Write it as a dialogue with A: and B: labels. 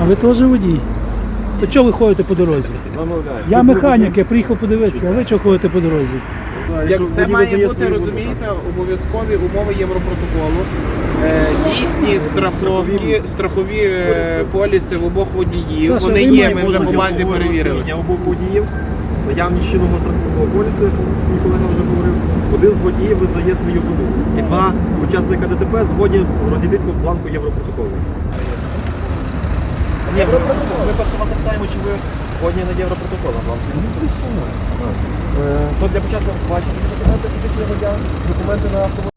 A: А ви теж водій? То чого ви ходите по дорозі? Я механік, я приїхав подивитися, а ви чого ходите по дорозі?
B: Це має бути, розумієте, обов'язкові умови Європротоколу, дійсні страхові поліси в обох водіїв.
A: Саша,
B: Вони
A: ви
B: є,
A: маєте
B: ми вже по базі перевірили.
C: Я обох водіїв, наявність чинного страхового полісу, як мій колега вже говорив, один з водіїв визнає свою вину. І два учасника ДТП згодні розійтись по бланку Європротоколу. Європротокол. Ми перше вас запитаємо, чи ви згодні на Європротокол. То для початку бачите документи фізичного водія, документи на автомобіль.